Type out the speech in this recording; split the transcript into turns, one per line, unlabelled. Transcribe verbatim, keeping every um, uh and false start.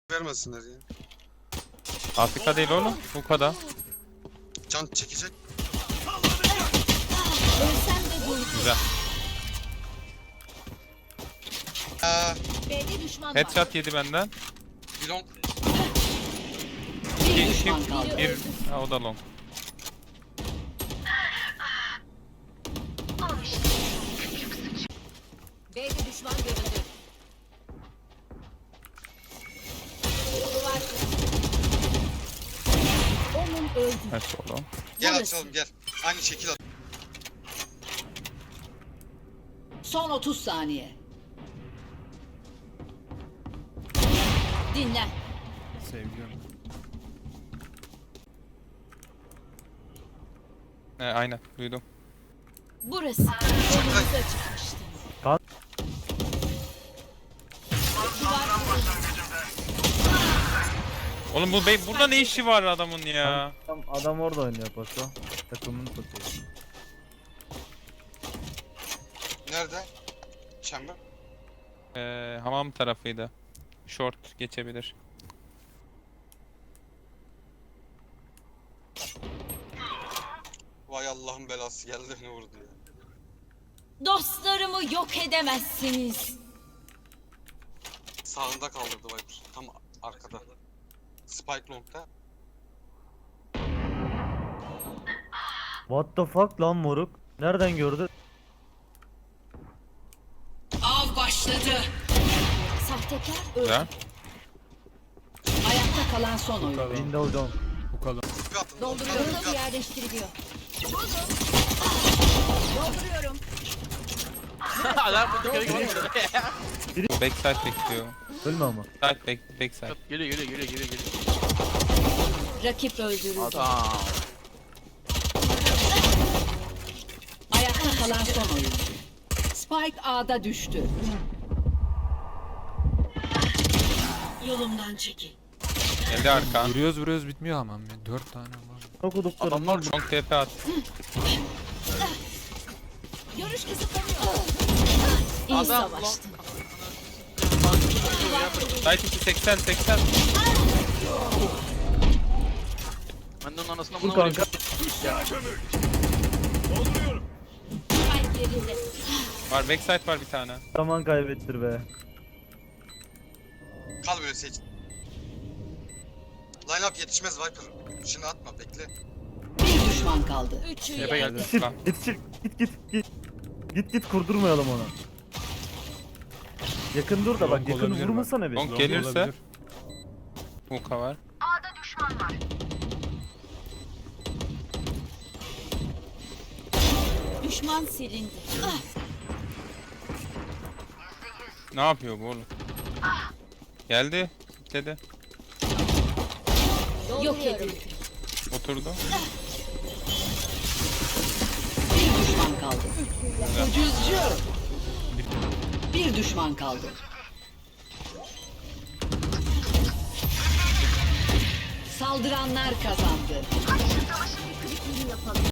vermesinler ya.
Afrika değil oğlum. Bu kadar.
Can çekecek.
Ölsem de bu.
Güzel.
Aa,
B'de düşman var.
Headshot yedi benden.
bir long.
Bir
İki,
düşman
iki,
kaldı.
bir. Ha, o da long.
B'de düşman görüldü. Duvar. Onun öldü.
Nasıl oğlum?
Gel
Burası.
açalım gel. Aynı şekil at.
Son otuz saniye. Dinlen.
Sevgilim.
He, aynen duydum.
Burası. Önümüze çıkmıştı.
Kan-
Duvar kuruldu.
Oğlum bu bey burada ne işi var adamın ya?
Adam, adam orada oynuyor paso. Takımını tutuyor.
Nerede? Chamber.
Ee, hamam tarafıydı. Short geçebilir.
Vay Allah'ın belası geldi beni vurdu ya.
Dostlarımı yok edemezsiniz.
Sağında kaldırdı Viper. Tam arkada. Spike long'da.
What the fuck lan moruk? Nereden gördü?
Av başladı. Sahtekar öldü.
Güzel.
Ayakta kalan son oyun.
Window down.
Bu kadar.
Bir atın.
Dolduruyorum. Yerleştiriliyor. Dolduruyorum.
Adam bu dükkanı geliyor.
Backside bekliyor.
Ölme ama.
Side back, backside.
Geliyor geliyor geliyor geliyor geliyor.
Rakip öldürüldü.
Adam.
Ayakta kalan son oyun. Spike A'da düştü. Yolumdan çekil.
Geldi arkan.
Vuruyoruz vuruyoruz bitmiyor hamam ya. Dört tane var.
Okuduklarım.
Adamlar
Long T P at.
Görüş kısıtlanıyor. İyi
Adam
savaştın.
Side içi seksen seksen.
Ben de onun anasına
Dur
buna vurayım.
kanka.
Spike yerinde.
Var backside var bir tane.
Zaman kaybettir be.
Kal böyle seç. Line up yetişmez Viper. Şimdi atma bekle.
Bir düşman kaldı. Üçü
Tepe geldi.
Yetişir,
Tamam.
yetişir. Git git git. Git git kurdurmayalım onu. Yakın dur da bak
Long
yakın
olabilir
vurmasana bir.
Long
Long
gelirse.
olabilir.
Hook'a var.
Düşman silindi. Ah,
Ne yapıyor bu oğlum? Geldi. Kitledi.
yok edildi.
Oturdu.
Bir düşman kaldı. Ucuzcu. Bir düşman kaldı. Saldıranlar kazandı.